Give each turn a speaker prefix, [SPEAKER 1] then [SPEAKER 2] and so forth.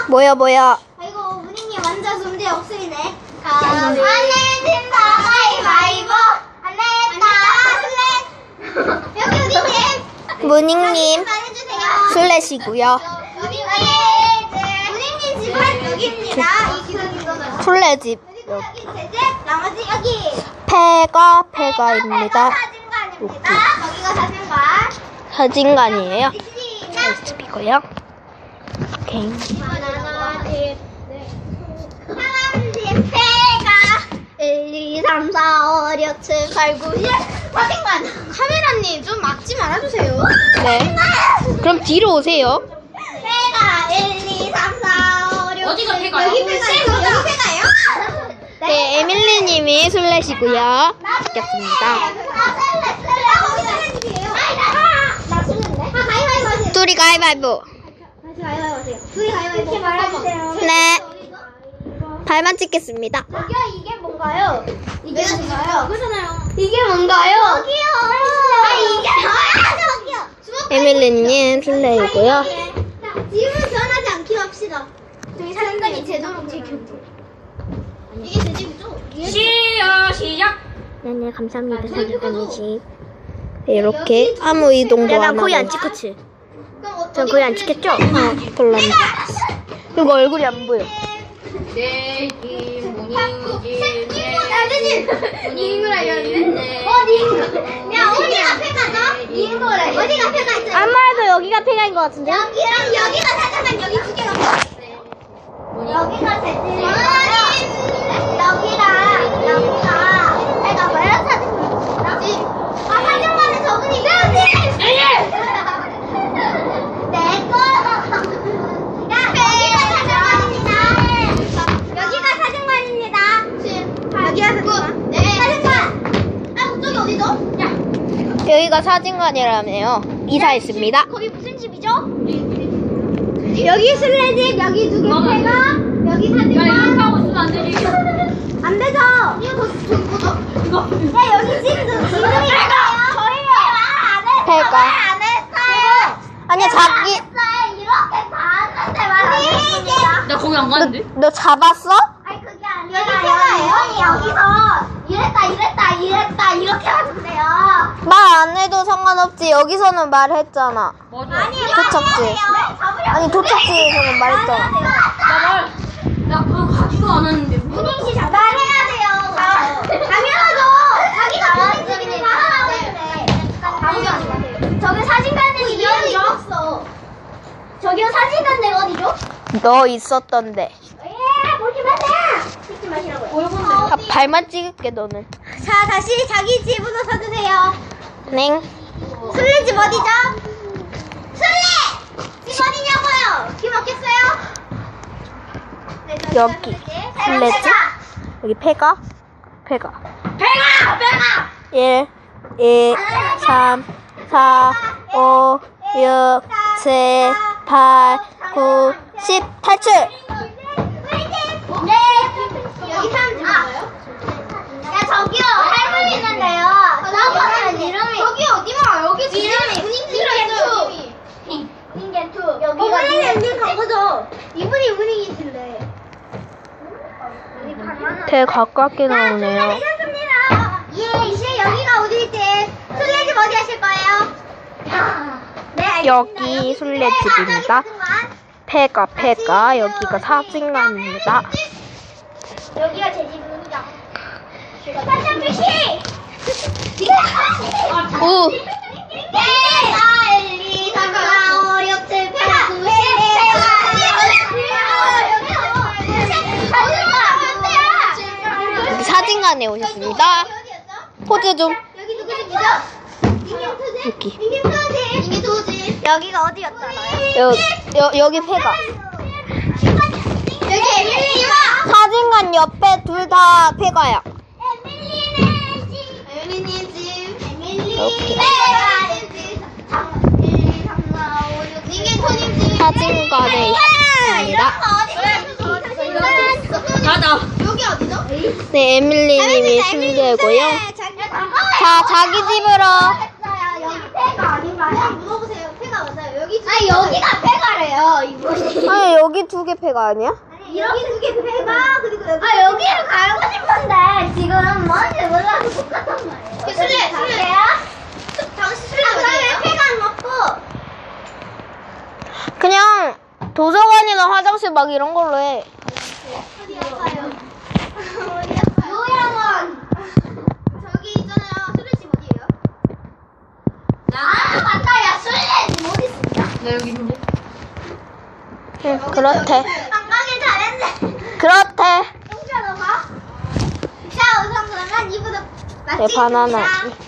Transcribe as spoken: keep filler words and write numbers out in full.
[SPEAKER 1] 뭐야 뭐야.
[SPEAKER 2] 아이고 문희님 완전 문제 없으리네. 안 내진다 가위바위보. 안 내다 슬랫. 여기 문희님.
[SPEAKER 1] 문익님
[SPEAKER 2] 말해주세요.
[SPEAKER 1] 슬래시고요.
[SPEAKER 2] 문희님. 문희님 집은 여기입니다. 이 기둥인 거는.
[SPEAKER 1] 술래집
[SPEAKER 2] 여기 제 집. 나머지 여기.
[SPEAKER 1] 폐가 폐가입니다.
[SPEAKER 2] 사진관입니다. 여기가 사진관.
[SPEAKER 1] 사진관이에요.
[SPEAKER 2] 시작.
[SPEAKER 1] 스피커요. 오케이.
[SPEAKER 2] 하나, 둘, 셋. 사람집 배가 일, 이, 삼, 사, 오, 육, 칠, 팔, 구, 십. 사진관. 카메라님 좀 막지 말아주세요.
[SPEAKER 1] 네. 그럼 뒤로 오세요.
[SPEAKER 2] 배가 일, 이, 삼, 사, 오, 육,
[SPEAKER 3] 어디가
[SPEAKER 2] 칠.
[SPEAKER 3] 배가요?
[SPEAKER 2] 여기 배가요? 여기 배가요?
[SPEAKER 1] 네, 에밀리님이 술래시고요. 시켰습니다.
[SPEAKER 2] 나 술래인데? 아, 가위바위보 하세요.
[SPEAKER 1] 둘이 가위바위보.
[SPEAKER 2] 다시 가위바위보 하세요. 둘이 가위바위보. 이렇게 말해주세요.
[SPEAKER 1] 네. 발만 찍겠습니다.
[SPEAKER 2] 저기요, 이게 뭔가요? 이게 뭔가요? 그잖아요. 이게 뭔가요? 여기요. 아, 이게 뭐야? 저기요.
[SPEAKER 1] 에밀리님 술래이고요.
[SPEAKER 2] 지금은 변하지 않기로 합시다. 저기 사진관이 제도록 제 곁으로. 이게 제 집이죠?
[SPEAKER 3] 시어 시작.
[SPEAKER 1] 네네 감사합니다. 사진관이지. 네, 이렇게 아무 이동도 안 하고.
[SPEAKER 2] 찍었지?
[SPEAKER 1] 전 거의 안 찍혔죠? 어, 별로 안 찍혔어. 이거 얼굴이 안 보여.
[SPEAKER 3] 네, 김문희지.
[SPEAKER 2] 닝을 알렸네. 어, 닝. 야, 어디 앞에 가자. 닝을 알렸네. 어디 앞에 가자.
[SPEAKER 1] 아무래도 여기가 폐가인 것 같은데?
[SPEAKER 2] 여기랑 여기가 사장관 여기 두 개가 있어요. 여기가 제 집이고요. 여기랑 여기가 제가 뭐예요? 사장관. 집. 아, 사장관은 저분이 있어요. 내 거. 야, 여기가 사장관입니다. 여기가 사장관입니다. 여기가 사장관. 네. 사장관. 아, 저기 어디죠? 야.
[SPEAKER 1] 여기가 사진관이라며요. 이사했습니다.
[SPEAKER 2] 거기 무슨 집이죠? 여기 술래집, 여기 두 개 패가, 여기
[SPEAKER 3] 야, 이렇게
[SPEAKER 2] 사진관.
[SPEAKER 3] 하고 있으면 안 되지.
[SPEAKER 2] 안 되죠? 이거 더, 저기 뭐죠? 이거. 야, 여기 집도 이름이 뭐예요? 저희요. 안 했어.
[SPEAKER 1] 패가.
[SPEAKER 2] 안 했어요.
[SPEAKER 1] 아니야,
[SPEAKER 2] 제가 안
[SPEAKER 1] 자기.
[SPEAKER 2] 했어요. 이렇게 다 했는데 말안 했습니다.
[SPEAKER 3] 나 거기 안
[SPEAKER 1] 너,
[SPEAKER 3] 가는데?
[SPEAKER 1] 너 잡았어?
[SPEAKER 2] 아니, 그게 아니라. 여기 패가예요? 여기서 이랬다, 이랬다, 이랬다, 이렇게 하는데요.
[SPEAKER 1] 말 안 해도 상관없지. 여기서는 말했잖아.
[SPEAKER 3] 맞아.
[SPEAKER 2] 아니요.
[SPEAKER 1] 도착지. 아니, 도착지에서는 말했잖아.
[SPEAKER 3] 나 말, 나 그거 가지도 않았는데.
[SPEAKER 2] 문희 씨 말해야 돼요. 당연하죠. 자기가 본인 집인데 말하라고 했는데. 당연하지 마세요. 저기 사진관들이 여기 없어. 저기요 사진관들 어디죠?
[SPEAKER 1] 너 있었던데.
[SPEAKER 2] 예, 보지 마세요. 찍지 마시라고요.
[SPEAKER 1] 아, 발만 찍을게, 너는.
[SPEAKER 2] 자, 다시 자기 집으로 서주세요.
[SPEAKER 1] 넹.
[SPEAKER 2] 술래집 어디죠? 술래! 집 어디냐고요? 집 없겠어요? 네, 저기가
[SPEAKER 1] 여기.
[SPEAKER 2] 술래집.
[SPEAKER 1] 술래집? 여기 폐가? 폐가.
[SPEAKER 2] 배가! 배가!
[SPEAKER 1] 일, 이, 삼, 사, 오, 육, 칠, 팔, 구, 십. 탈출!
[SPEAKER 2] 네. 여기 사람 집인가요? 야, 저기요. 할머니 있는데요. 저거는 이름이. 저기 어디마? 여기 이름이. 분인개투. 분인개투. 여기가. 분인이 언니 간 거죠? 이분이 분인이실래.
[SPEAKER 1] 되게 가깝게 나오네요.
[SPEAKER 2] 알겠습니다. 예, 이제 여기가 어디지? 술래집 어디 하실 거예요? 네, 알겠습니다.
[SPEAKER 1] 여기 술래집입니다. 폐가, 폐가. 여기가 사진관입니다.
[SPEAKER 2] 여기가 제 집입니다. 사장 표시!
[SPEAKER 1] 오!
[SPEAKER 2] 네! 일, 이, 삼, 사, 오, 육, 칠, 팔, 구, 십,
[SPEAKER 1] 여기 사진관에 오셨습니다. 포즈 좀.
[SPEAKER 2] 여기 누구 집이죠? 닝겐투지?
[SPEAKER 1] 여기.
[SPEAKER 2] 닝겐투지? 닝겐투지? 여기가 어디였잖아요?
[SPEAKER 1] 여, 여, 여기 폐가.
[SPEAKER 2] 여기 에밀리와
[SPEAKER 1] 사진관 옆에 둘 다 폐가야.
[SPEAKER 2] 에밀리네 집. 에밀리님 집. 에밀리.
[SPEAKER 1] 이렇게.
[SPEAKER 2] 일, 이, 삼, 사, 오, 육, 닝겐토님 집.
[SPEAKER 1] 사진관에 있습니다.
[SPEAKER 3] 나다.
[SPEAKER 2] 여기 어디죠?
[SPEAKER 1] 네, 에밀리님이 술래고요. 자, 자기 집으로.
[SPEAKER 2] 여기 폐가 아닌가요? 물어보세요. 폐가 맞아요. 여기 아 여기가 폐가래요? 패가예요, 이곳이.
[SPEAKER 1] 아니 여기 두 개 패가 아니야?
[SPEAKER 2] 여기 두 개 패가, 그리고 여기. 아, 여기를 가고 싶은데, 지금 뭔지 몰라서 못 갔단 말이에요. 술래, 술래야? 당신 술래 아, 그러면 패가 안 먹고.
[SPEAKER 1] 그냥 도서관이나 화장실 막 이런 걸로 해.
[SPEAKER 2] 어디 아파요? 어디 아파요? 요양원. 저기 있잖아요. 술래집 어디예요? 아, 맞다. 야, 술래집 어디 있냐?
[SPEAKER 3] 나 여기 있는데.
[SPEAKER 1] 응, 그렇대.
[SPEAKER 2] 안 가길 잘했네.
[SPEAKER 1] 그렇대.
[SPEAKER 2] 똥차 너 봐. 자, 우선 그러면 이부터
[SPEAKER 1] 네, 바나나.